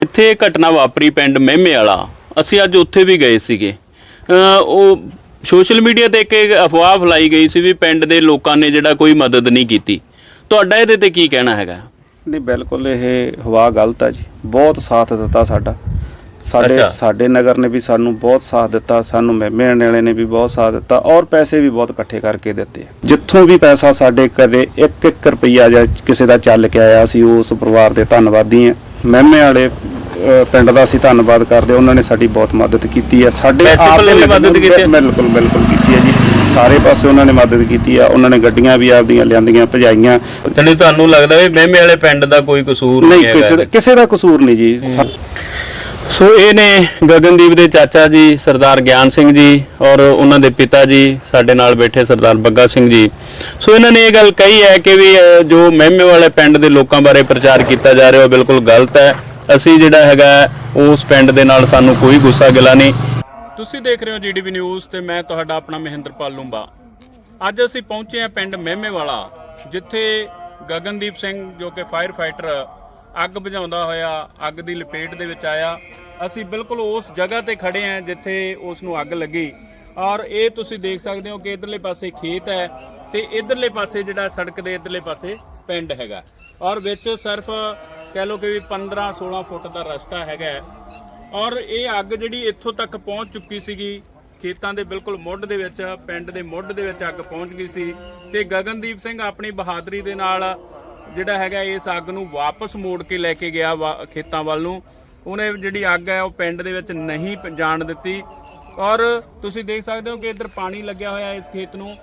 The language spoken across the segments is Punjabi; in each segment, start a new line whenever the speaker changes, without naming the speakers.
ਇੱਥੇ ਇਹ ਘਟਨਾ ਵਾਪਰੀ ਪਿੰਡ ਮਹਿਮੇ ਵਾਲਾ, ਅਸੀਂ ਅੱਜ ਉੱਥੇ ਵੀ ਗਏ ਸੀਗੇ। ਉਹ ਸੋਸ਼ਲ ਮੀਡੀਆ ਤੇ ਇੱਕ ਅਫਵਾਹ ਫੈਲਾਈ ਗਈ ਸੀ ਵੀ ਪਿੰਡ ਦੇ ਲੋਕਾਂ ਨੇ ਜਿਹੜਾ ਕੋਈ ਮਦਦ ਨਹੀਂ ਕੀਤੀ। ਤੁਹਾਡਾ ਇਹਦੇ ਤੇ ਕੀ ਕਹਿਣਾ ਹੈਗਾ?
ਨਹੀਂ, ਬਿਲਕੁਲ ਇਹ ਹਵਾ ਗਲਤ ਹੈ ਜੀ। ਬਹੁਤ ਸਾਥ ਦਿੱਤਾ ਸਾਡਾ, ਸਾਡੇ ਨਗਰ ਨੇ ਵੀ ਸਾਨੂੰ ਬਹੁਤ ਸਾਥ ਦਿੱਤਾ, ਸਾਨੂੰ ਮਹਿਮੇ ਵਾਲੇ ਨੇ ਵੀ ਬਹੁਤ ਸਾਥ ਦਿੱਤਾ ਔਰ ਪੈਸੇ ਵੀ ਬਹੁਤ ਇਕੱਠੇ ਕਰਕੇ ਦਿੱਤੇ। ਜਿੱਥੋਂ ਵੀ ਪੈਸਾ ਸਾਡੇ ਘਰੇ 1-1 ਰੁਪਈਆ ਜਾਂ ਕਿਸੇ ਦਾ ਚੱਲ ਕੇ ਆਇਆ, ਅਸੀਂ ਉਸ ਪਰਿਵਾਰ ਦੇ ਧੰਨਵਾਦੀ ਹਾਂ। ਮਹਿਮੇ ਵਾਲੇ ਪਿੰਡ ਦਾ ਅਸੀਂ ਧੰਨਵਾਦ ਕਰਦੇ, ਉਹਨਾਂ ਨੇ ਸਾਡੀ ਬਹੁਤ ਮਦਦ ਕੀਤੀ ਹੈ। ਸਾਡੇ ਆਪ ਦੇ ਮਦਦ ਕੀਤੀ, ਬਿਲਕੁਲ ਕੀਤੀ ਹੈ ਜੀ। ਸਾਰੇ ਪਾਸੇ ਉਹਨਾਂ ਨੇ ਮਦਦ ਕੀਤੀ ਆ। ਉਹਨਾਂ ਨੇ ਗੱਡੀਆਂ ਵੀ ਆਪਦੀਆਂ ਲਿਆਂਦੀਆਂ, ਭਜਾਈਆਂ।
ਤੇ ਤੁਹਾਨੂੰ ਲੱਗਦਾ ਵੀ ਮਹਿਮੇ ਵਾਲੇ ਪਿੰਡ ਦਾ ਕੋਈ ਕਸੂਰ ਨਹੀਂ ਹੈ?
ਕਿਸੇ ਦਾ ਕਸੂਰ ਨਹੀਂ ਜੀ।
ਸੋ ਇਹ ਨੇ ਗਗਨਦੀਪ ਦੇ ਚਾਚਾ ਜੀ ਸਰਦਾਰ ਗਿਆਨ ਸਿੰਘ ਜੀ ਔਰ ਉਹਨਾਂ ਦੇ ਪਿਤਾ ਜੀ ਸਾਡੇ ਨਾਲ ਬੈਠੇ ਸਰਦਾਰ ਬੱਗਾ ਸਿੰਘ ਜੀ। ਸੋ ਇਹਨਾਂ ਨੇ ਇਹ ਗੱਲ ਕਹੀ ਹੈ ਕਿ ਵੀ ਜੋ ਮਹਿਮੇ ਵਾਲੇ ਪਿੰਡ ਦੇ ਲੋਕਾਂ ਬਾਰੇ ਪ੍ਰਚਾਰ ਕੀਤਾ ਜਾ ਰਿਹਾ ਉਹ ਬਿਲਕੁਲ ਗਲਤ ਹੈ। ਅਸੀਂ ਜਿਹੜਾ ਹੈਗਾ ਉਸ ਪਿੰਡ ਦੇ ਨਾਲ ਸਾਨੂੰ ਕੋਈ ਗੁੱਸਾ ਗਿਲਾ ਨਹੀਂ। ਤੁਸੀਂ ਦੇਖ ਰਹੇ ਹੋ ਜੀਡੀਪੀ ਨਿਊਜ਼ ਤੇ ਮੈਂ ਤੁਹਾਡਾ ਆਪਣਾ ਮਹਿੰਦਰਪਾਲ ਲੂੰਬਾ। ਅੱਜ ਅਸੀਂ ਪਹੁੰਚੇ ਹਾਂ ਪਿੰਡ ਮਹਿਮੇ ਵਾਲਾ, ਜਿੱਥੇ ਗਗਨਦੀਪ ਸਿੰਘ ਜੋ ਕਿ ਫਾਇਰ ਫਾਈਟਰ ਅੱਗ ਬੁਝਾਉਂਦਾ ਹੋਇਆ ਅੱਗ ਦੀ ਲਪੇਟ ਦੇ ਵਿੱਚ ਆਇਆ। ਅਸੀਂ ਬਿਲਕੁਲ ਉਸ ਜਗ੍ਹਾ ਤੇ ਖੜੇ ਹਾਂ ਜਿੱਥੇ ਉਸ ਨੂੰ ਅੱਗ ਲੱਗੀ ਔਰ ਇਹ ਤੁਸੀਂ ਦੇਖ ਸਕਦੇ ਹੋ ਕਿ ਇਧਰਲੇ ਪਾਸੇ ਖੇਤ ਹੈ ਤੇ ਇਧਰਲੇ ਪਾਸੇ ਜਿਹੜਾ ਸੜਕ ਦੇ ਇਧਰਲੇ ਪਾਸੇ ਪਿੰਡ ਹੈਗਾ ਔਰ ਵਿੱਚ ਸਿਰਫ ਕਹਿ ਲਓ ਕਿ 15-16 ਫੁੱਟ ਦਾ ਰਸਤਾ ਹੈਗਾ ਔਰ ਇਹ ਅੱਗ ਜਿਹੜੀ ਇੱਥੋਂ ਤੱਕ ਪਹੁੰਚ ਚੁੱਕੀ ਸੀਗੀ। ਖੇਤਾਂ ਦੇ ਬਿਲਕੁਲ ਮੁੱਢ ਦੇ ਵਿੱਚ, ਪਿੰਡ ਦੇ ਮੁੱਢ ਦੇ ਵਿੱਚ ਅੱਗ ਪਹੁੰਚ ਗਈ ਸੀ ਤੇ ਗਗਨਦੀਪ ਸਿੰਘ ਆਪਣੀ ਬਹਾਦਰੀ ਦੇ ਨਾਲ ਜਿਹੜਾ ਹੈਗਾ ਇਸ ਅੱਗ ਨੂੰ ਵਾਪਸ ਮੋੜ ਕੇ ਲੈ ਕੇ ਗਿਆ ਖੇਤਾਂ ਵੱਲ ਨੂੰ। ਉਹਨੇ ਜਿਹੜੀ ਅੱਗ ਹੈ ਉਹ ਪਿੰਡ ਦੇ ਵਿੱਚ ਨਹੀਂ ਜਾਣ ਦਿੱਤੀ ਔਰ ਤੁਸੀਂ ਦੇਖ ਸਕਦੇ ਹੋ ਕਿ ਇੱਧਰ ਪਾਣੀ ਲੱਗਿਆ ਹੋਇਆ ਇਸ ਖੇਤ ਨੂੰ।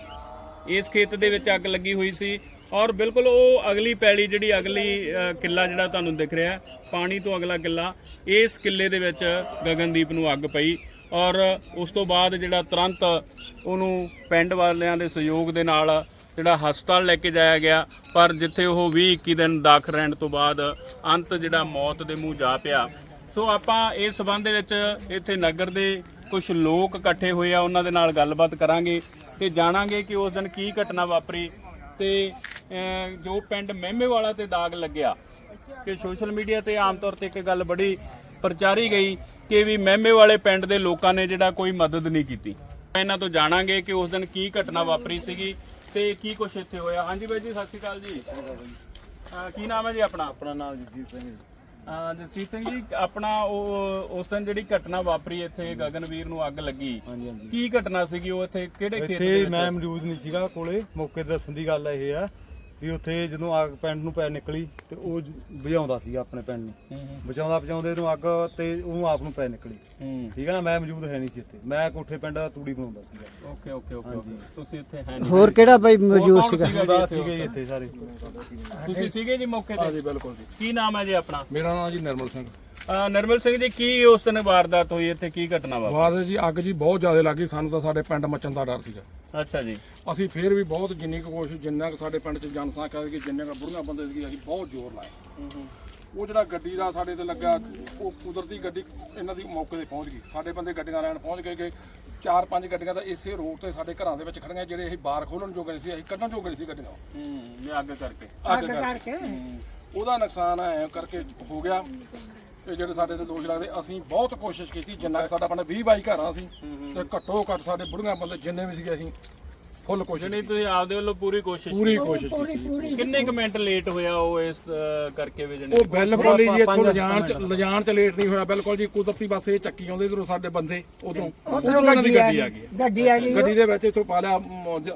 ਇਸ ਖੇਤ ਦੇ ਵਿੱਚ ਅੱਗ ਲੱਗੀ ਹੋਈ ਸੀ ਔਰ ਬਿਲਕੁਲ ਉਹ ਅਗਲੀ ਪੈਲੀ ਜਿਹੜੀ ਅਗਲੀ ਕਿੱਲਾ ਜਿਹੜਾ ਤੁਹਾਨੂੰ ਦਿਖ ਰਿਹਾ ਪਾਣੀ ਤੋਂ ਅਗਲਾ ਕਿੱਲਾ, ਇਸ ਕਿੱਲੇ ਦੇ ਵਿੱਚ ਗਗਨਦੀਪ ਨੂੰ ਅੱਗ ਪਈ ਔਰ ਉਸ ਤੋਂ ਬਾਅਦ ਜਿਹੜਾ ਤੁਰੰਤ ਉਹਨੂੰ ਪਿੰਡ ਵਾਲਿਆਂ ਦੇ ਸਹਿਯੋਗ ਦੇ ਨਾਲ ਜਿਹੜਾ ਹਸਪਤਾਲ ਲੈ ਕੇ ਜਾਇਆ ਗਿਆ, ਪਰ ਜਿੱਥੇ ਉਹ 20-21 ਦਿਨ ਦਾਖਲ ਰਹਿਣ ਤੋਂ ਬਾਅਦ ਅੰਤ ਜਿਹੜਾ ਮੌਤ ਦੇ ਮੂੰਹ ਜਾ ਪਿਆ। ਸੋ ਆਪਾਂ ਇਸ ਸਬੰਧ ਦੇ ਵਿੱਚ ਇੱਥੇ ਨਗਰ ਦੇ ਕੁਝ ਲੋਕ ਇਕੱਠੇ ਹੋਏ ਆ, ਉਹਨਾਂ ਦੇ ਨਾਲ ਗੱਲਬਾਤ ਕਰਾਂਗੇ ਤੇ ਜਾਣਾਂਗੇ ਕਿ ਉਸ ਦਿਨ ਕੀ ਘਟਨਾ ਵਾਪਰੀ ਤੇ ਜੋ ਪਿੰਡ ਮਹਿਮੇ ਵਾਲਾ ਤੇ ਦਾਗ ਲੱਗਿਆ ਕਿ ਸੋਸ਼ਲ ਮੀਡੀਆ ਤੇ ਆਮ ਤੌਰ ਤੇ ਇੱਕ ਗੱਲ ਬੜੀ ਪ੍ਰਚਾਰੀ ਗਈ ਕਿ ਵੀ ਮਹਿਮੇ ਵਾਲੇ ਪਿੰਡ ਦੇ ਲੋਕਾਂ ਨੇ ਜਿਹੜਾ ਕੋਈ ਮਦਦ ਨਹੀਂ ਕੀਤੀ। ਇਹਨਾਂ ਤੋਂ ਜਾਣਾਂਗੇ ਕਿ ਉਸ ਦਿਨ ਕੀ ਘਟਨਾ ਵਾਪਰੀ ਸੀਗੀ ਤੇ ਕੀ ਕੁਛ ਇੱਥੇ ਹੋਇਆ। ਹਾਂਜੀ ਬਾਈ ਜੀ, ਸਤਿ ਸ਼੍ਰੀ ਅਕਾਲ ਜੀ। ਕੀ ਨਾਮ ਹੈ ਜੀ ਆਪਣਾ?
ਆਪਣਾ ਨਾਮ ਜਸਜੀਤ ਸਿੰਘ ਜੀ।
ਜਸਜੀਤ ਸਿੰਘ ਜੀ, ਆਪਣਾ ਉਹ ਉਸ ਦਿਨ ਜਿਹੜੀ ਘਟਨਾ ਵਾਪਰੀ ਇੱਥੇ ਗਗਨਵੀਰ ਨੂੰ ਅੱਗ ਲੱਗੀ,
ਹਾਂਜੀ ਹਾਂਜੀ,
ਕੀ ਘਟਨਾ ਸੀਗੀ? ਉਹ ਇੱਥੇ ਕਿਹੜੇ ਖੇਤ ਦੇ
ਇੱਥੇ
ਵਿੱਚ?
ਮੈਂ ਮੌਜੂਦ ਨਹੀਂ ਸੀਗਾ ਕੋਲੇ। ਮੌਕੇ ਤੇ ਦੱਸਣ ਦੀ ਗੱਲ ਇਹ ਆ ਵੀ ਉੱਥੇ ਜਦੋਂ ਅੱਗ ਪਿੰਡ ਨੂੰ ਪੈ ਨਿਕਲੀ ਤੇ ਉਹ ਬੁਝਾਉਂਦਾ ਸੀਗਾ ਆਪਣੇ ਪਿੰਡ ਨੂੰ, ਬਚਾਉਂਦੇ ਨੂੰ ਅੱਗ ਤੇ ਉਹਨੂੰ ਆਪ ਨੂੰ ਪੈ ਨਿਕਲੀ। ਠੀਕ ਹੈ ਨਾ, ਮੈਂ ਮੌਜੂਦ ਹੈ ਨਹੀਂ ਸੀ ਇੱਥੇ, ਮੈਂ ਕੋਠੇ ਪਿੰਡ ਤੂੜੀ ਬਣਾਉਂਦਾ ਸੀਗਾ।
ਓਕੇ ਓਕੇ ਓਕੇ, ਤੁਸੀਂ ਇੱਥੇ ਹੈ ਨਹੀਂ।
ਹੋਰ ਕਿਹੜਾ ਬਾਈ ਮੌਜੂਦ ਸੀਗਾ?
ਸੀਗੇ ਇੱਥੇ ਸਾਰੇ।
ਤੁਸੀਂ ਸੀਗੇ ਜੀ ਮੌਕੇ ਤੇ?
ਹਾਂਜੀ ਬਿਲਕੁਲ ਜੀ।
ਕੀ ਨਾਮ ਹੈ ਜੀ ਆਪਣਾ?
ਮੇਰਾ ਨਾਮ ਜੀ ਨਿਰਮਲ ਸਿੰਘ।
ਨਿਰਮਲ ਸਿੰਘ ਜੀ, ਕੀ ਉਸ ਦਿਨ ਵਾਰਦਾਤ ਹੋਈ ਇੱਥੇ, ਕੀ ਘਟਨਾ ਵਾਪਰੀ?
ਵਾਰ ਜੀ ਅੱਗ ਜੀ ਬਹੁਤ ਜ਼ਿਆਦਾ ਲੱਗੀ, ਸਾਨੂੰ ਤਾਂ ਸਾਡੇ ਪਿੰਡ ਮੱਚਣ ਦਾ ਡਰ ਸੀਗਾ।
ਅੱਛਾ ਜੀ।
ਅਸੀਂ ਫੇਰ ਵੀ ਬਹੁਤ ਜਿੰਨੀ ਕੁ ਕੋਸ਼ਿਸ਼, ਜਿੰਨਾ ਕੁ ਸਾਡੇ ਪਿੰਡ 'ਚ ਜਨਸੰਖਿਆ ਸੀ, ਜਿੰਨੇ ਕੁ ਬੁੜੀਆਂ ਬੰਦੇ ਸੀ, ਅਸੀਂ ਬਹੁਤ ਜ਼ੋਰ ਲਾਇਆ। ਉਹ ਜਿਹੜਾ ਗੱਡੀ ਦਾ ਸਾਡੇ ਤੇ ਲੱਗਾ, ਉਹ ਕੁਦਰਤੀ ਗੱਡੀ ਇਹਨਾਂ ਦੀ ਮੌਕੇ ਤੇ ਪਹੁੰਚ ਗਈ। ਸਾਡੇ ਬੰਦੇ ਗੱਡੀਆਂ ਲੈਣ ਪਹੁੰਚ ਗਏ ਕਿ 4-5 ਗੱਡੀਆਂ ਤਾਂ ਇਸੇ ਰੋਡ ਤੇ ਸਾਡੇ ਘਰਾਂ ਦੇ ਵਿੱਚ ਖੜੀਆਂ, ਜਿਹੜੇ ਅਸੀਂ ਬਾਹਰ ਖੋਲਣ ਜੋਗੇ ਸੀ, ਅਸੀਂ ਕੱਢਣ ਜੋਗੇ ਸੀ ਗੱਡੀਆਂ।
ਅੱਗ ਕਰਕੇ
ਉਹਦਾ ਨੁਕਸਾਨ ਐ ਕਰਕੇ ਹੋ ਗਿਆ। ਇਹ ਜਿਹੜੇ ਸਾਡੇ ਤੇ ਦੋਸ਼ ਲੱਗਦੇ, ਅਸੀਂ ਬਹੁਤ ਕੋਸ਼ਿਸ਼ ਕੀਤੀ, ਜਿੰਨਾ ਸਾਡਾ ਪਿੰਡ 20-22 ਘਰਾਂ ਸੀ ਤੇ ਘੱਟੋ ਘੱਟ ਸਾਡੇ ਬੁੜੀਆਂ ਬੰਦੇ ਜਿੰਨੇ ਵੀ ਸੀਗੇ ਅਸੀਂ ਫੁੱਲ ਕੋਸ਼ਿਸ਼
ਨਹੀਂ, ਤੁਸੀਂ ਆਪਦੇ ਵੱਲੋਂ ਪੂਰੀ ਕੋਸ਼ਿਸ਼
ਕੀਤੀ।
ਕਿੰਨੇ ਕੁ ਮਿੰਟ ਲੇਟ ਹੋਇਆ ਉਹ ਇਸ ਕਰਕੇ ਵੀ?
ਉਹ ਬਿਲਕੁਲ ਹੀ ਜੀ ਇੱਥੋਂ ਲਿਜਾਣ ਚ ਲੇਟ ਨਹੀਂ ਹੋਇਆ, ਬਿਲਕੁਲ ਜੀ ਕੁਦਰਤੀ ਬਸ ਇਹ ਚੱਕੀ ਆਉਂਦੇ ਇਧਰੋਂ ਸਾਡੇ ਬੰਦੇ, ਉਦੋਂ ਉਹਨਾਂ ਦੀ ਗੱਡੀ ਆ ਗਈ। ਗੱਡੀ ਦੇ ਵਿੱਚ ਇੱਥੋਂ ਪਾ ਲਿਆ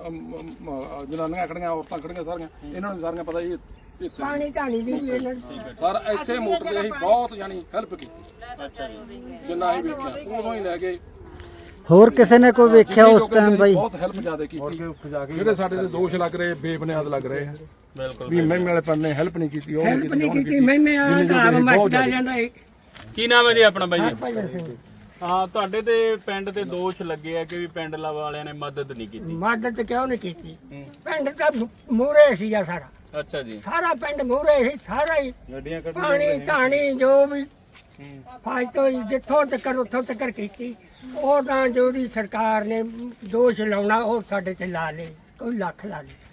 ਜਨਾਨੀਆਂ ਖੜੀਆਂ, ਔਰਤਾਂ ਖੜੀਆਂ ਸਾਰੀਆਂ, ਇਹਨਾਂ ਨੂੰ ਸਾਰੀਆਂ ਪਤਾ ਜੀ
ਪਾਣੀ ਢਾਣੀ ਦੀ
ਸਰ ਐਸੇ ਮੋਟਰ ਤੇ ਅਸੀਂ ਬਹੁਤ ਯਾਨੀ ਹੈਲਪ ਕੀਤੀ, ਜਿੰਨਾ ਅਸੀਂ ਵੇਖਿਆ ਉਦੋਂ ਹੀ ਲੈ ਗਏ।
ਹੋਰ ਕਿਸੇ ਨੇ ਕੋਈ ਵੇਖਿਆ ਉਸ ਟਾਈਮ ਬਾਈ?
ਬਹੁਤ ਹੈਲਪ ਜ਼ਿਆਦਾ ਕੀਤੀ। ਜਿਹੜੇ ਸਾਡੇ ਤੇ ਦੋਸ਼ ਲੱਗ ਰਹੇ, ਬੇਬੁਨਿਆਦ ਲੱਗ ਰਹੇ ਆ ਵੀ ਮਹਿਮੇ ਵਾਲੇ ਪਿੰਡ ਨੇ ਹੈਲਪ ਨਹੀਂ ਕੀਤੀ, ਉਹ ਨਹੀਂ ਕੀਤੀ।
ਮਹਿਮੇ ਵਾਲਾ ਘਰ ਮੱਚਦਾ ਜਾਂਦਾ ਹੈ।
ਕੀ ਨਾਮ ਹੈ ਜੀ ਆਪਣਾ ਬਾਈ ਜੀ? ਹਾਂ, ਤੁਹਾਡੇ ਤੇ ਪਿੰਡ ਤੇ ਦੋਸ਼ ਲੱਗੇ ਆ ਕਿ ਵੀ ਪਿੰਡ ਵਾਲਿਆਂ ਨੇ ਮਦਦ ਨਹੀਂ ਕੀਤੀ।
ਮਦਦ ਕਿਉਂ ਨਹੀਂ ਕੀਤੀ? ਪਿੰਡ ਤਾਂ ਮੂਹਰੇ ਸੀਗਾ ਸਾਰਾ।
ਅੱਛਾ ਜੀ।
ਸਾਰਾ ਪਿੰਡ ਮੂਹਰੇ ਸੀ, ਸਾਰਾ ਹੀ ਪਾਣੀ ਢਾਣੀ ਜੋ ਵੀ ਫਾਇਦਾ ਜਿੱਥੋਂ ਤੱਕ ਉੱਥੋਂ ਤੱਕ ਕੀਤੀ। ਉਹ ਤਾਂ ਜਿਹੜੀ ਸਰਕਾਰ ਨੇ ਦੋਸ਼ ਲਾਉਣਾ ਉਹ ਸਾਡੇ ਤੇ ਲਾ ਲਏ, ਕੋਈ ਲੱਖ ਲਾ ਲਏ।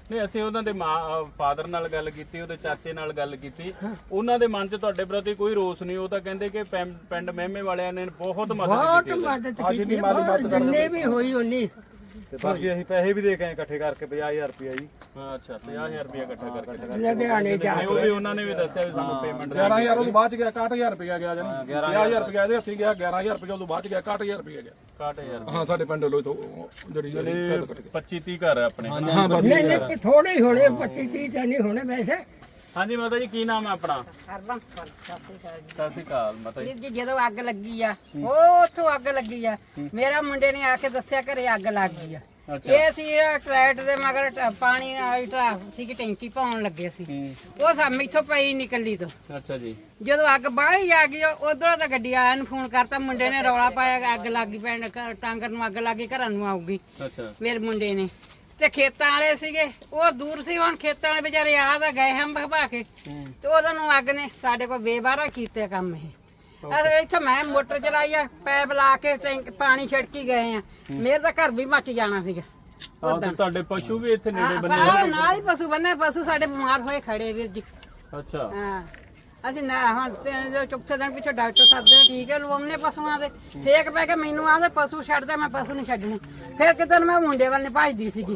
ਨਹੀਂ ਅਸੀਂ ਉਹਨਾਂ ਦੇ ਫਾਦਰ ਨਾਲ ਗੱਲ ਕੀਤੀ, ਉਹਦੇ ਚਾਚੇ ਨਾਲ ਗੱਲ ਕੀਤੀ, ਉਹਨਾਂ ਦੇ ਮਨ 'ਚ ਤੁਹਾਡੇ ਪ੍ਰਤੀ ਕੋਈ ਰੋਸ ਨਹੀਂ। ਉਹ ਤਾਂ ਕਹਿੰਦੇ ਕਿ ਪਿੰਡ ਮਹਿਮੇ ਵਾਲਿਆਂ ਨੇ ਬਹੁਤ ਮਦਦ
ਬਹੁਤ
ਕੀਤੀ।
ਮਦਦ ਕੀਤੀ ਬਹੁਤ, ਜਿੰਨੇ ਵੀ ਹੋਈ ਉਨੀ।
ਤੇ ਬਾਕੀ ਅਸੀਂ ਪੈਸੇ ਵੀ ਦੇ ਕੇ ਆਏ ਇਕੱਠੇ ਕਰਕੇ 50000 ਰੁਪਇਆ ਜੀ।
ਹਾਂ ਅੱਛਾ 50000 ਰੁਪਏ ਇਕੱਠਾ ਕਰਕੇ
ਲੁਧਿਆਣੇ ਜਾ
ਉਹ ਵੀ ਉਹਨਾਂ ਨੇ ਵੀ ਦੱਸਿਆ ਵੀ ਸਾਨੂੰ ਪੇਮੈਂਟ
11000 ਉਹ ਤੋਂ ਬਾਅਦ ਚ ਗਿਆ 61000 ਰੁਪਇਆ ਗਿਆ ਜਾਨੀ 11000 ਰੁਪਇਆ ਇਹਦੇ ਹੱਥੀ ਗਿਆ 11000 ਰੁਪਇਆ ਉਹ ਤੋਂ ਬਾਅਦ ਚ ਗਿਆ 61000 ਰੁਪਇਆ ਗਿਆ
61000
ਹਾਂ ਸਾਡੇ ਪਿੰਡ ਵੱਲੋਂ ਤੋਂ ਜਿਹੜੀ
25 30 ਘਰ ਆ ਆਪਣੇ।
ਹਾਂ ਬਸ
ਨਹੀਂ ਨਹੀਂ ਥੋੜੇ ਹੀ ਹੋਣੇ 25 30 ਤਾਂ ਨਹੀਂ ਹੋਣੇ ਵੈਸੇ।
ਹਾਂਜੀ ਮਾਤਾ ਜੀ ਕੀ ਨਾਮ ਹੈ ਆਪਣਾ?
ਹਰਬੰਸ ਕੌਰ, ਸਤਿ ਸ਼੍ਰੀ ਅਕਾਲ ਜੀ।
ਸਤਿ ਸ਼੍ਰੀ ਅਕਾਲ ਮਾਤਾ ਜੀ।
ਵੀਰ ਜੀ ਜਦੋਂ ਅੱਗ ਲੱਗੀ ਆ ਉਹ ਉੱਥੋਂ ਅੱਗ ਲੱਗੀ ਆ, ਮੇਰਾ ਮੁੰਡੇ ਨੇ ਆ ਕੇ ਦੱਸਿਆ ਘਰੇ ਅੱਗ ਲੱਗ ਗਈ ਆ। ਇਹ ਸੀ ਟਰੈਕਟਰ ਦੇ ਮਗਰ ਪਾਣੀ ਸੀ ਕਿ ਟੈਂਕੀ ਪਾਉਣ ਲੱਗੇ ਸੀ, ਉਹ ਸਾਹਮਣੇ ਇੱਥੋਂ ਪਈ ਨਿਕਲੀ ਤੋਂ।
ਅੱਛਾ ਜੀ।
ਜਦੋਂ ਅੱਗ ਬਾਹਲੀ ਆ ਗਈ ਉਧਰੋਂ ਤਾਂ ਗੱਡੀ ਆਇਆ ਨੂੰ ਫੋਨ ਕਰਤਾ, ਮੁੰਡੇ ਨੇ ਰੌਲਾ ਪਾਇਆ ਅੱਗ ਲੱਗ ਗਈ, ਪਿੰਡ ਟਾਂਗਰ ਨੂੰ ਅੱਗ ਲੱਗ ਗਈ, ਘਰਾਂ ਨੂੰ ਆਊਗੀ।
ਅੱਛਾ
ਮੇਰੇ ਮੁੰਡੇ ਨੇ ਤੇ ਖੇਤਾਂ ਵਾਲੇ ਸੀਗੇ, ਉਹ ਦੂਰ ਸੀ, ਹੁਣ ਖੇਤਾਂ ਵਾਲੇ ਵਿਚਾਰੇ ਆ ਤਾਂ ਗਏ ਹਮ ਭਾ ਕੇ, ਤੇ ਉਹਨਾਂ ਨੂੰ ਅੱਗ ਨੇ ਸਾਡੇ ਕੋਲ ਬੇਬਾਰਾ ਕੀਤੇ ਕੰਮ ਇਹ। ਅਸੀਂ ਇੱਥੇ ਮੈਂ ਮੋਟਰ ਚਲਾਈ ਆ, ਪੈਪ ਲਾ ਕੇ ਟੈਂਕ ਪਾਣੀ ਛਿੜਕੀ ਗਏ ਆ, ਮੇਰੇ ਤਾਂ ਘਰ ਵੀ ਮੱਚ ਜਾਣਾ ਸੀਗਾ।
ਹਾਂ ਤੇ ਤੁਹਾਡੇ ਪਸ਼ੂ ਵੀ ਇੱਥੇ ਨੇੜੇ ਬੰਨੇ
ਨਾਲ ਹੀ ਪਸ਼ੂ ਬੰਨੇ, ਪਸ਼ੂ ਸਾਡੇ ਬਿਮਾਰ ਹੋਏ ਖੜੇ ਵੀਰ ਜੀ।
ਅੱਛਾ
ਹਾਂ ਅਸੀਂ ਨਾ ਹੁਣ ਚੁੱਪਸੇ ਦਿਨ ਪਿੱਛੋਂ ਡਾਕਟਰ ਸੱਦਦੇ ਟੀਕੇ ਲਵਾਉਣੇ ਪਸ਼ੂਆਂ ਦੇ, ਸੇਕ ਪੈ ਕੇ ਮੈਨੂੰ ਆਂਦੇ ਪਸ਼ੂ ਛੱਡਦਾ, ਮੈਂ ਪਸ਼ੂ ਨਹੀਂ ਛੱਡਣੇ। ਫਿਰ ਕਿਤੇ ਮੈਂ ਮੁੰਡੇ ਵੱਲ ਨਹੀਂ ਭੱਜਦੀ ਸੀਗੀ,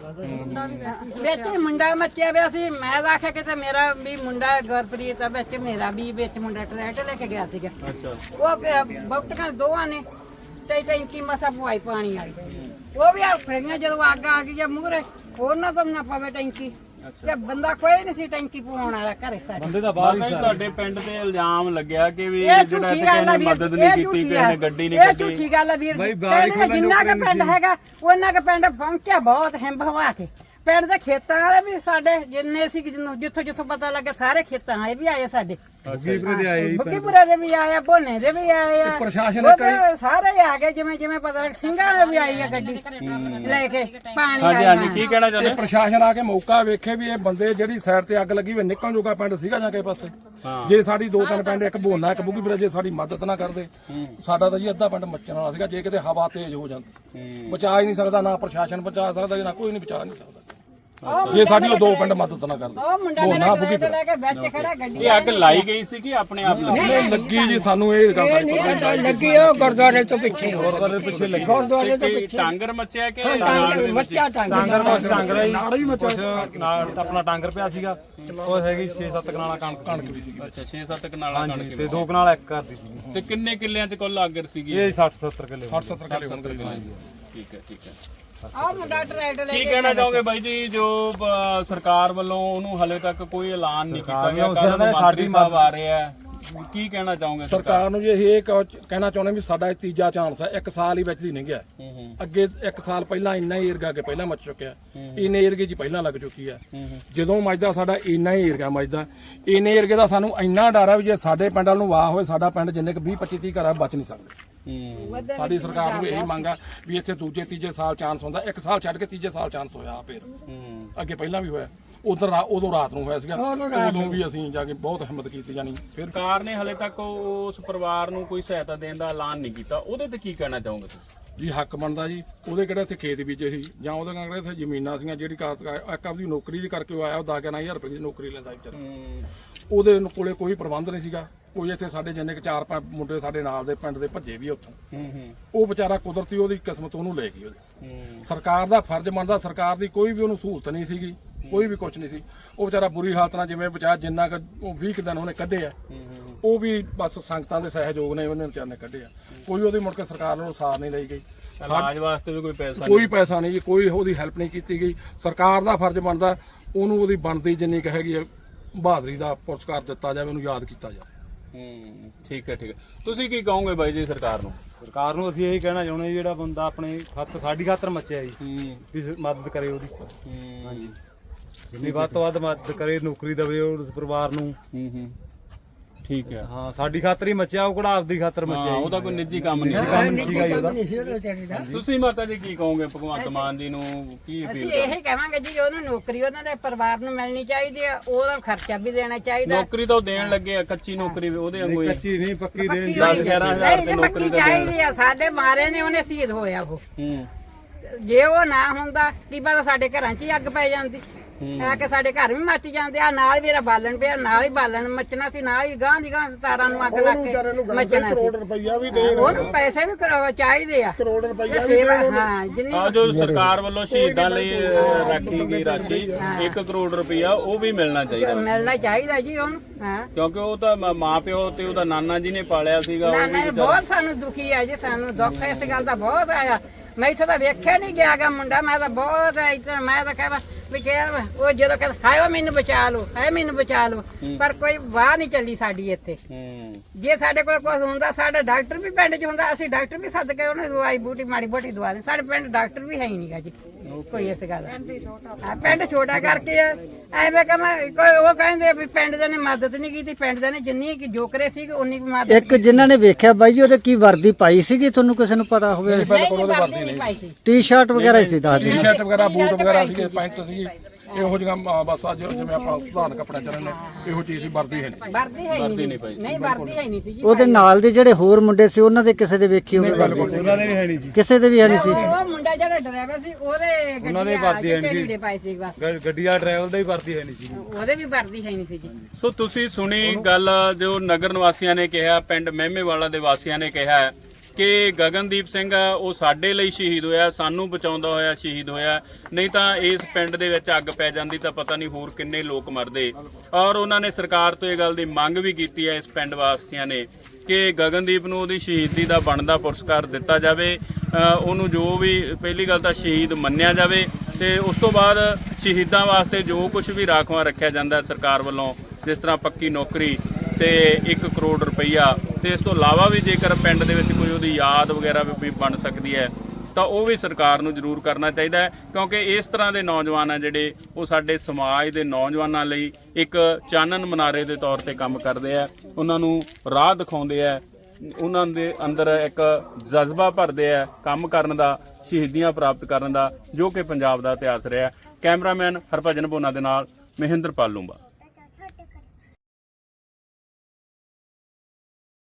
ਵਿੱਚ ਹੀ ਮੁੰਡਾ ਮੱਚਿਆ ਪਿਆ ਸੀ। ਮੈਂ ਤਾਂ ਆਖਿਆ ਕਿਤੇ ਮੇਰਾ ਵੀ ਮੁੰਡਾ ਗੁਰਪ੍ਰੀਤ ਆ ਵਿੱਚ, ਮੇਰਾ ਵੀ ਵਿੱਚ ਮੁੰਡਾ ਟਰੈਕਟਰ ਲੈ ਕੇ ਗਿਆ ਸੀਗਾ।
ਅੱਛਾ
ਉਹ ਬੁਕਟਾਂ ਦੋਵਾਂ ਨੇ ਟੈਂਕੀ ਮਸਾ ਪਵਾਈ ਪਾਣੀ ਵਾਲੀ, ਉਹ ਵੀ ਆ ਫੜੀਆਂ। ਜਦੋਂ ਅੱਗ ਆ ਗਈ ਜਾਂ ਮੂਹਰੇ ਉਹਨਾਂ ਤੋਂ ਨਾ ਪਵੇ ਟੈਂਕੀ, ਤੇ ਬੰਦਾ ਕੋਈ ਨਹੀਂ ਸੀ ਟੈਂਕੀ ਪਵਾਉਣ ਵਾਲਾ ਘਰੇ ਸਾਡੇ।
ਬੰਦੇ ਦਾ ਬਾਹਰ ਹੀ
ਤੁਹਾਡੇ ਪਿੰਡ ਤੇ ਇਲਜ਼ਾਮ ਲੱਗਿਆ ਕਿ ਵੀ
ਇਹ
ਜਿਹੜਾ
ਝੂਠੀ
ਕਿਸੇ
ਗੱਲ ਆ
ਨੇ
ਵੀਰ,
ਮਦਦ ਨਹੀਂ ਕੀਤੀ, ਕਿਸੇ ਨੇ ਗੱਡੀ ਨਹੀਂ
ਇਹ
ਕੱਢੀ।
ਝੂਠੀ ਗੱਲ ਆ ਵੀਰ ਜੀ। ਪਿੰਡ ਜਿੰਨਾ ਕੁ ਪਿੰਡ ਹੈਗਾ ਉਹਨਾਂ ਕੁ ਪਿੰਡ ਪਹੁੰਚਿਆ ਬਹੁਤ ਹਿੰਬ ਹਵਾ ਕੇ। ਪਿੰਡ ਦੇ ਖੇਤਾਂ ਵਾਲੇ ਵੀ ਸਾਡੇ ਜਿੰਨੇ ਸੀ, ਜਿੱਥੋਂ ਜਿੱਥੋਂ ਪਤਾ ਲੱਗਾ ਸਾਰੇ ਖੇਤਾਂ ਵਾਲੇ ਵੀ ਆਏ ਸਾਡੇ।
ਬੁੱਗੀਪੁਰੇ ਦੇ ਆਏ ਜੀ,
ਬੁੱਗੀਪੁਰੇ ਦੇ ਵੀ ਆਏ ਆ, ਭੋਨੇ ਦੇ ਵੀ ਆਏ ਆ,
ਪ੍ਰਸ਼ਾਸਨ
ਉਹਦੇ ਸਾਰੇ ਹੀ ਆ ਗਏ। ਜਿਵੇਂ ਪਤਾ ਲੱਗ ਸਿੰਘਾਂ ਦੇ ਵੀ ਆਈ ਆ ਗੱਡੀ ਲੈ ਕੇ ਪਾਣੀ
ਹਾਂਜੀ ਹਾਂਜੀ ਕੀ ਕਹਿਣਾ ਚਾਹੁੰਦੇ?
ਇਹ ਪ੍ਰਸ਼ਾਸਨ ਆ ਕੇ ਮੌਕਾ ਵੇਖੇ ਵੀ ਇਹ ਬੰਦੇ ਜਿਹੜੀ ਸਾਈਡ ਤੇ ਅੱਗ ਲੱਗੀ ਵੀ ਨਿਕਲਣ ਜੋਗਾ ਪਿੰਡ ਸੀਗਾ ਜਾਂ ਕਿਸੇ ਪਾਸੇ। ਜੇ ਸਾਡੀ 2-3 ਪਿੰਡ, ਇੱਕ ਬੋਨਾ ਇੱਕ ਬੁੱਗੀਪੁਰਾ, ਜੇ ਸਾਡੀ ਮਦਦ ਨਾ ਕਰਦੇ ਸਾਡਾ ਤਾਂ ਜੀ ਅੱਧਾ ਪਿੰਡ ਮੱਚਣ ਵਾਲਾ ਸੀਗਾ। ਜੇ ਕਿਤੇ ਹਵਾ ਤੇਜ਼ ਹੋ ਜਾਂਦੀ ਬਚਾ ਹੀ ਨਹੀਂ ਸਕਦਾ, ਨਾ ਪ੍ਰਸ਼ਾਸਨ ਬਚਾ ਸਕਦਾ, ਨਾ ਕੋਈ ਨਹੀਂ ਬਚਾ ਨਹੀਂ ਸਕਦਾ ਜੇ ਸਾਡੀ ਉਹ 2 ਪਿੰਡ ਮਦਦ ਨਾ ਕਰਦੇ।
ਉਹ ਮੁੰਡਾ ਮੇਰਾ ਟਰੈਕਟਰ ਲੈ ਕੇ ਵਿੱਚ ਖੜਾ ਗੱਡੀ
ਇਹ ਅੱਗ ਲਾਈ ਗਈ ਸੀ ਕਿ ਆਪਣੇ ਆਪ ਲੱਗੀ?
ਨਹੀਂ ਲੱਗੀ ਜੀ, ਸਾਨੂੰ ਇਹ ਗੱਲ ਦਾ
ਇਹ ਨਹੀਂ ਲੱਗੀ, ਉਹ ਗੁਰਦੁਆਰੇ ਤੋਂ ਪਿੱਛੇ, ਗੁਰਦੁਆਰੇ ਤੋਂ ਪਿੱਛੇ
ਟਾਂਗਰ ਮੱਚਿਆ ਕਿ
ਮੱਚਾ ਟਾਂਗਰ
ਟਾਂਗਰਾ ਹੀ ਨਾਲ ਆਪਣਾ ਟਾਂਗਰ ਪਿਆ ਸੀਗਾ, ਉਹ ਹੈਗੀ 6-7 ਕਨਾਲਾਂ ਕਣਕ ਵੀ ਸੀਗੀ।
ਅੱਛਾ 6-7 ਕਨਾਲਾਂ ਕਣਕ
ਤੇ 2 ਕਨਾਲ ਇੱਕ ਘਰ ਦੀ ਸੀ।
ਤੇ ਕਿੰਨੇ ਕਿੱਲਿਆਂ 'ਚ ਕੁੱਲ ਅੱਗ ਸੀਗੀ?
ਇਹ 60-70 ਕਿੱਲੇ
60-70 ਕਿੱਲੇ ਹੁੰਦੇ ਜੀ।
ਠੀਕ ਹੈ ਠੀਕ ਹੈ।
ਆਹ ਮੁੰਡਾ ਟਰੈਕਟਰ ਲੈ
ਕੀ
ਕੇ
ਕਹਿਣਾ ਚਾਹੋਗੇ ਬਾਈ ਜੀ, ਜੋ ਸਰਕਾਰ ਵੱਲੋਂ ਉਹਨੂੰ ਹਲੇ ਤੱਕ ਕੋਈ ਐਲਾਨ ਨਹੀਂ ਕੀਤਾ ਗਿਆ, ਕੱਲ੍ਹ ਨੂੰ ਮੰਤਰੀ ਸਾਹਿਬ ਆ ਰਹੇ ਆ, ਕੀ ਕਹਿਣਾ ਚਾਹੋਗੇ
ਸਰਕਾਰ ਨੂੰ ਜੀ ਇਹ ਕਹਿਣਾ ਚਾਹੁੰਦੇ ਵੀ ਸਾਡਾ ਇਹ ਤੀਜਾ ਚਾਂਸ ਹੈ। 1 ਸਾਲ ਹੀ ਵਿੱਚ ਦੀ ਨਹੀਂ ਗਿਆ, ਅੱਗੇ 1 ਸਾਲ ਪਹਿਲਾਂ ਇੰਨਾ ਹੀ ਏਰੀਆ ਕੇ ਪਹਿਲਾਂ ਮੱਚ ਚੁੱਕਿਆ, ਇੰਨੇ ਏਰੀਏ 'ਚ ਪਹਿਲਾਂ ਲੱਗ ਚੁੱਕੀ ਹੈ। ਜਦੋਂ ਮੱਚਦਾ ਸਾਡਾ ਇੰਨਾ ਹੀ ਏਰੀਆ ਮੱਚਦਾ, ਇੰਨੇ ਏਰੀਏ ਦਾ ਸਾਨੂੰ ਇੰਨਾ ਡਰ ਹੈ ਵੀ ਜੇ ਸਾਡੇ ਪਿੰਡ ਵੱਲ ਨੂੰ ਵਾਹ ਹੋਵੇ ਸਾਡਾ ਪਿੰਡ ਜਿੰਨੇ ਕੁ 20-25 ਘਰ ਆ ਬਚ ਨਹੀਂ ਸਕਦੇ। ਸਾਡੀ ਸਰਕਾਰ ਨੂੰ ਇਹੀ ਮੰਗ ਆ ਵੀ ਇੱਥੇ ਦੂਜੇ ਤੀਜੇ ਸਾਲ ਚਾਂਸ ਹੁੰਦਾ, 1 ਸਾਲ ਛੱਡ ਕੇ ਤੀਜੇ ਸਾਲ ਚਾਂਸ ਹੋਇਆ। ਫਿਰ ਅੱਗੇ ਪਹਿਲਾਂ ਵੀ ਹੋਇਆ, ਉਦੋਂ ਰਾਤ ਨੂੰ ਹੋਇਆ ਸੀਗਾ, ਉਦੋਂ ਵੀ ਅਸੀਂ ਜਾ ਕੇ ਬਹੁਤ ਹਿੰਮਤ ਕੀਤੀ। ਜਾਨੀ ਫਿਰ
ਸਰਕਾਰ ਨੇ ਹਲੇ ਤੱਕ ਉਸ ਪਰਿਵਾਰ ਨੂੰ ਕੋਈ ਸਹਾਇਤਾ ਦੇਣ ਦਾ ਐਲਾਨ ਨਹੀਂ ਕੀਤਾ, ਉਹਦੇ ਤੇ ਕੀ ਕਹਿਣਾ ਚਾਹੋਗੇ ਤੁਸੀਂ?
ਜੀ ਹੱਕ ਬਣਦਾ ਜੀ, ਉਹਦੇ ਕਿਹੜੇ ਇੱਥੇ ਖੇਤ ਬੀਜੇ ਸੀ ਜਾਂ ਉਹਦੇ ਕਿਹੜੇ ਇੱਥੇ ਜ਼ਮੀਨਾਂ ਸੀਗੀਆਂ, ਜਿਹੜੀ ਇੱਕ ਆਪਦੀ ਨੌਕਰੀ ਦੀ ਕਰਕੇ ਉਹ ਆਇਆ, ਉਹ 10,000 ਰੁਪਏ ਦੀ ਨੌਕਰੀ ਲੈਂਦਾ ਵਿਚਾਰਾ। ਉਹਦੇ ਕੋਲੇ ਕੋਈ ਪ੍ਰਬੰਧ ਨਹੀਂ ਸੀਗਾ, ਕੋਈ ਇੱਥੇ ਸਾਡੇ ਜਿੰਨੇ 4-5 ਮੁੰਡੇ ਸਾਡੇ ਨਾਲ ਦੇ ਪਿੰਡ ਦੇ ਭੱਜੇ ਵੀ ਉੱਥੋਂ। ਉਹ ਵਿਚਾਰਾ ਕੁਦਰਤੀ ਉਹਦੀ ਕਿਸਮਤ ਉਹਨੂੰ ਲੈ ਗਈ। ਉਹਦੀ ਸਰਕਾਰ ਦਾ ਫਰਜ਼ ਬਣਦਾ, ਸਰਕਾਰ ਦੀ ਕੋਈ ਵੀ ਉਹਨੂੰ ਸਹੂਲਤ ਨਹੀਂ ਸੀਗੀ, ਕੋਈ ਵੀ ਕੁਝ ਨਹੀਂ ਸੀ। ਉਹ ਵਿਚਾਰਾ ਬੁਰੀ ਹਾਲਤ ਨਾਲ ਜਿਵੇਂ ਵਿਚਾਰ ਜਿੰਨਾ ਉਹ 20 ਦਿਨ ਉਹਨੇ ਕੱਢੇ ਆ, ਉਹ ਵੀ ਬਸ ਸੰਗਤਾਂ ਦੇ ਸਹਿਯੋਗ ਨੇ ਉਹਨੇ ਵਿਚਾਰ ਨੇ ਕੱਢੇ ਆ। ਕੋਈ ਉਹਦੀ ਮੁੜ ਕੇ ਸਰਕਾਰ ਨੂੰ ਸਾਰ ਨਹੀਂ ਲਈ ਗਈ,
ਇਲਾਜ ਵਾਸਤੇ ਵੀ
ਕੋਈ ਪੈਸਾ ਨਹੀਂ ਜੀ, ਕੋਈ ਉਹਦੀ ਹੈਲਪ ਨਹੀਂ ਕੀਤੀ ਗਈ। ਸਰਕਾਰ ਦਾ ਫਰਜ਼ ਬਣਦਾ ਉਹਨੂੰ ਉਹਦੀ ਬਣਦੀ ਜਿੰਨੀ ਕੁ ਹੈਗੀ ਆ ਬਹਾਦਰੀ ਦਾ ਪੁਰਸਕਾਰ ਦਿੱਤਾ ਜਾਵੇ, ਉਹਨੂੰ ਯਾਦ ਕੀਤਾ ਜਾਵੇ।
ਠੀਕ ਹੈ ਠੀਕ ਹੈ। ਤੁਸੀਂ ਕੀ ਕਹੋਗੇ ਬਾਈ ਜੀ ਸਰਕਾਰ ਨੂੰ?
ਸਰਕਾਰ ਨੂੰ ਅਸੀਂ ਇਹੀ ਕਹਿਣਾ ਚਾਹੁੰਦੇ ਜੀ, ਜਿਹੜਾ ਬੰਦਾ ਆਪਣੇ ਸਾਡੀ ਖਾਤਰ ਮੱਚਿਆ ਜੀ, ਵੀ ਮਦਦ ਕਰੇ ਉਹਦੀ। ਹਾਂਜੀ ਜਿੰਨੀ ਵੱਧ ਤੋਂ ਵੱਧ ਮਦਦ ਕਰੇ, ਨੌਕਰੀ ਦੇਵੇ ਉਸ ਪਰਿਵਾਰ ਨੂੰ।
ਠੀਕ ਹੈ।
ਹਾਂ ਸਾਡੀ ਖਾਤਰ ਹੀ ਮੱਚਿਆ, ਉਹ ਕਿਹੜਾ ਆਪਦੀ ਖਾਤਰ ਮੱਚਿਆ।
ਉਹਦਾ ਕੋਈ ਨਿੱਜੀ ਕੰਮ ਨਹੀਂ ਤੁਸੀਂ ਮਾਤਾ ਜੀ ਕੀ ਕਹੋਗੇ ਭਗਵੰਤ ਮਾਨ ਜੀ ਨੂੰ? ਕੀ
ਅਸੀਂ ਇਹ ਕਹਾਂਗੇ ਜੀ ਉਹਨੂੰ ਨੌਕਰੀ ਉਹਨਾਂ ਦੇ ਪਰਿਵਾਰ ਨੂੰ ਮਿਲਣੀ ਚਾਹੀਦੀ ਆ, ਉਹਦਾ ਖਰਚਾ ਵੀ ਦੇਣਾ ਚਾਹੀਦਾ।
ਨੌਕਰੀ ਤਾਂ ਦੇਣ ਲੱਗੇ ਆ, ਕੱਚੀ ਨੌਕਰੀ ਉਹਦੇ ਵਾਂਗੂ ਹੀ।
ਕੱਚੀ ਨਹੀਂ ਪੱਕੀ ਦੇਣ
10-11,000 ਤੇ ਨੌਕਰੀ
ਚਾਹੀਦੀ ਆ। ਸਾਡੇ ਮਾਰੇ ਨੇ ਉਹਨੇ ਸ਼ਹੀਦ ਹੋਇਆ ਉਹ, ਜੇ ਉਹ ਨਾ ਹੁੰਦਾ ਕੀ ਪਤਾ ਸਾਡੇ ਘਰਾਂ 'ਚ ਹੀ ਅੱਗ ਪੈ ਜਾਂਦੀ। ਆ ਕੇ ਸਾਡੇ ਘਰ ਵੀ ਮੱਚ ਜਾਂਦੇ ਆ, ਨਾਲ ਮੇਰਾ ਬਾਲਣ ਪਿਆ, ਨਾਲ ਹੀ ਬਾਲਣ ਮੱਚਣਾ ਸੀ, ਨਾਲ ਹੀ ਗਾਂ ਦੀ ਗਾਂ ਤਾਰਾਂ ਨੂੰ ਅੱਗ ਲੱਗ ਕੇ ਮੱਚਣਾ ਸੀ।
ਕਰੋੜ ਰੁਪਈਆ ਵੀ ਦੇਣ,
ਉਹਨੂੰ ਪੈਸੇ ਵੀ ਚਾਹੀਦੇ ਆ,
ਕਰੋੜ ਰੁਪਈਆ
ਤੇ ਸੇਵਾ ਹਾਂ ਜਿੰਨੀ
ਆ ਜੋ ਸਰਕਾਰ ਵੱਲੋਂ ਸ਼ਹੀਦਾਂ ਲਈ ਰੱਖੀ ਗਈ ਰਾਸ਼ੀ 1 ਕਰੋੜ ਰੁਪਇਆ ਉਹ ਵੀ ਮਿਲਣਾ ਚਾਹੀਦਾ,
ਮਿਲਣਾ ਚਾਹੀਦਾ ਜੀ ਉਹਨੂੰ। ਹਾਂ
ਕਿਉਂਕਿ ਉਹ ਤਾਂ ਮਾਂ ਪਿਓ ਤੇ ਉਹਦਾ ਨਾਨਾ ਜੀ ਨੇ ਪਾਲਿਆ ਸੀਗਾ। ਉਹ
ਨਾਨਾ ਬਹੁਤ ਸਾਨੂੰ ਦੁਖੀ ਆ ਜੀ, ਸਾਨੂੰ ਦੁੱਖ ਇਸ ਗੱਲ ਦਾ ਬਹੁਤ ਆਇਆ। ਮੈਂ ਇੱਥੇ ਤਾਂ ਵੇਖਿਆ ਨਹੀਂ ਗਿਆਗਾ ਮੁੰਡਾ, ਮੈਂ ਤਾਂ ਬਹੁਤ ਇੱਥੇ ਮੈਂ ਤਾਂ ਕਹਿਆ ਵੀ ਉਹ ਜਦੋਂ ਕਹਿੰਦਾ ਹਾਏ ਮੈਨੂੰ ਬਚਾ ਲਓ, ਹਾਏ ਮੈਨੂੰ ਬਚਾ ਲਓ, ਪਰ ਕੋਈ ਵਾਹ ਨਹੀਂ ਚੱਲੀ ਸਾਡੀ ਇੱਥੇ। ਜੇ ਸਾਡੇ ਕੋਲ ਕੁਝ ਹੁੰਦਾ, ਸਾਡਾ ਡਾਕਟਰ ਵੀ ਪਿੰਡ 'ਚ ਹੁੰਦਾ, ਅਸੀਂ ਡਾਕਟਰ ਵੀ ਸੱਦ ਕੇ ਉਹਨੂੰ ਦਵਾਈ ਬੂਟੀ ਮਾੜੀ ਮੋਟੀ ਦਵਾ ਦੇ। ਸਾਡੇ ਪਿੰਡ ਡਾਕਟਰ ਵੀ ਹੈ ਹੀ ਨਹੀਂਗਾ ਜੀ ਕੋਈ ਇਸ ਗੱਲ ਦਾ। ਪਿੰਡ ਛੋਟਾ ਕਰਕੇ ਐਵੇਂ ਕੋਈ ਉਹ ਕਹਿੰਦੇ ਵੀ ਪਿੰਡ ਦੇ ਨੇ ਮਦਦ ਨਹੀਂ ਕੀਤੀ, ਪਿੰਡ ਦੇ ਨੇ ਜਿੰਨੀ ਜੋ ਕਰੇ ਸੀ ਉਨੀ ਮਦਦ।
ਇੱਕ ਜਿਨ੍ਹਾਂ ਨੇ ਵੇਖਿਆ ਬਾਈ ਜੀ ਉਹਦੇ ਕੀ ਵਰਦੀ ਪਾਈ ਸੀਗੀ, ਤੁਹਾਨੂੰ ਕਿਸੇ ਨੂੰ ਪਤਾ ਹੋਵੇ?
ਨਹੀਂ ਪਾਈ ਸੀ,
ਟੀ-ਸ਼ਰਟ ਵਗੈਰਾ ਹੀ ਸੀ ਦੱਸ ਦਿਓ।
ਟੀ-ਸ਼ਰਟ ਵਗੈਰਾ, ਬੂਟ ਵਗੈਰਾ ਸੀਗੇ, ਪੈਂਟ ਸੀਗੀ, ਇਹੋ ਜਿਹੀਆਂ ਬਸ ਅੱਜ ਜਿਵੇਂ ਆਪਾਂ ਸੁਧਾਰਨ ਕੱਪੜੇ ਚੱਲਣ ਨੇ ਇਹੋ ਚੀਜ਼ ਸੀ, ਵਰਦੀ ਹੈ ਨਹੀਂ,
ਵਰਦੀ ਹੈ ਨਹੀਂ, ਨਹੀਂ ਵਰਦੀ ਹੈ ਨਹੀਂ ਸੀ ਜੀ।
ਉਹਦੇ ਨਾਲ ਦੇ ਜਿਹੜੇ ਹੋਰ ਮੁੰਡੇ ਸੀ ਉਹਨਾਂ ਦੇ ਕਿਸੇ ਦੇ ਵੇਖੀ ਹੋਵੇ ਵਰਦੀ?
ਉਹਨਾਂ ਦੇ ਵੀ ਹੈ ਨਹੀਂ ਜੀ,
ਕਿਸੇ ਦੇ ਵੀ ਹੈ ਨਹੀਂ ਸੀ।
ਉਹ ਮੁੰਡਾ ਜਿਹੜਾ ਡਰਾਈਵਰ ਸੀ ਉਹਦੇ
ਉਹਨਾਂ ਦੇ ਵਰਦੀ ਹੈ ਨਹੀਂ
ਲੀੜੇ ਪਾਏ ਸੀ ਬਸ,
ਗੱਡੀ ਵਾਲਾ ਡਰਾਈਵਰ ਦਾ ਵੀ ਵਰਦੀ ਹੈ ਨਹੀਂ ਸੀ।
ਉਹਦੇ ਵੀ ਵਰਦੀ ਹੈ ਨਹੀਂ ਸੀ ਜੀ।
ਸੋ ਤੁਸੀਂ ਸੁਣੀ ਗੱਲ ਜੋ ਨਗਰ ਨਿਵਾਸੀਆਂ ਨੇ ਕਿਹਾ, ਪਿੰਡ ਮਹਿਮੇਵਾਲਾ ਦੇ ਵਾਸੀਆਂ ਨੇ ਕਿਹਾ ਕਿ ਗਗਨਦੀਪ ਸਿੰਘ ਆ ਉਹ ਸਾਡੇ ਲਈ ਸ਼ਹੀਦ ਹੋਇਆ, ਸਾਨੂੰ ਬਚਾਉਂਦਾ ਹੋਇਆ ਸ਼ਹੀਦ ਹੋਇਆ, ਨਹੀਂ ਤਾਂ ਇਸ ਪਿੰਡ ਦੇ ਵਿੱਚ ਅੱਗ ਪੈ ਜਾਂਦੀ ਤਾਂ ਪਤਾ ਨਹੀਂ ਹੋਰ ਕਿੰਨੇ ਲੋਕ ਮਰਦੇ। ਔਰ ਉਹਨਾਂ ਨੇ ਸਰਕਾਰ ਤੋਂ ਇਹ ਗੱਲ ਦੀ ਮੰਗ ਵੀ ਕੀਤੀ ਹੈ ਇਸ ਪਿੰਡ ਵਾਸੀਆਂ ਨੇ ਕਿ ਗਗਨਦੀਪ ਨੂੰ ਉਹਦੀ ਸ਼ਹੀਦੀ ਦਾ ਬਣਦਾ ਪੁਰਸਕਾਰ ਦਿੱਤਾ ਜਾਵੇ, ਉਹਨੂੰ ਜੋ ਵੀ ਪਹਿਲੀ ਗੱਲ ਤਾਂ ਸ਼ਹੀਦ ਮੰਨਿਆ ਜਾਵੇ, ਤੇ ਉਸ ਤੋਂ ਬਾਅਦ ਸ਼ਹੀਦਾਂ ਵਾਸਤੇ ਜੋ ਕੁਝ ਵੀ ਰਾਖਵਾਂ ਰੱਖਿਆ ਜਾਂਦਾ ਸਰਕਾਰ ਵੱਲੋਂ, ਜਿਸ ਤਰ੍ਹਾਂ ਪੱਕੀ ਨੌਕਰੀ ਤੇ 1 ਕਰੋੜ ਰੁਪਈਆ, ਤੇ ਇਸ ਤੋਂ ਇਲਾਵਾ ਵੀ ਜੇਕਰ ਪਿੰਡ ਦੇ ਵਿੱਚ ਕੋਈ ਉਹਦੀ ਯਾਦ ਵਗੈਰਾ ਵੀ ਬਣ ਸਕਦੀ ਹੈ ਤਾਂ ਉਹ ਵੀ ਸਰਕਾਰ ਨੂੰ ਜ਼ਰੂਰ ਕਰਨਾ ਚਾਹੀਦਾ ਹੈ, ਕਿਉਂਕਿ ਇਸ ਤਰ੍ਹਾਂ ਦੇ ਨੌਜਵਾਨ ਆ ਜਿਹੜੇ ਉਹ ਸਾਡੇ ਸਮਾਜ ਦੇ ਨੌਜਵਾਨਾਂ ਲਈ ਇੱਕ ਚਾਨਣ ਮਨਾਰੇ ਦੇ ਤੌਰ ਤੇ ਕੰਮ ਕਰਦੇ ਆ, ਉਹਨਾਂ ਨੂੰ ਰਾਹ ਦਿਖਾਉਂਦੇ ਆ, ਉਹਨਾਂ ਦੇ ਅੰਦਰ ਇੱਕ ਜਜ਼ਬਾ ਭਰਦੇ ਆ ਕੰਮ ਕਰਨ ਦਾ, ਸ਼ਹੀਦੀਆਂ ਪ੍ਰਾਪਤ ਕਰਨ ਦਾ, ਜੋ ਕਿ ਪੰਜਾਬ ਦਾ ਇਤਿਹਾਸ ਰਿਹਾ। ਕੈਮਰਾਮੈਨ ਹਰਭਜਨ ਭੋਨਾ ਦੇ ਨਾਲ ਮਹਿੰਦਰ ਪਾਲੂੰਬਾ।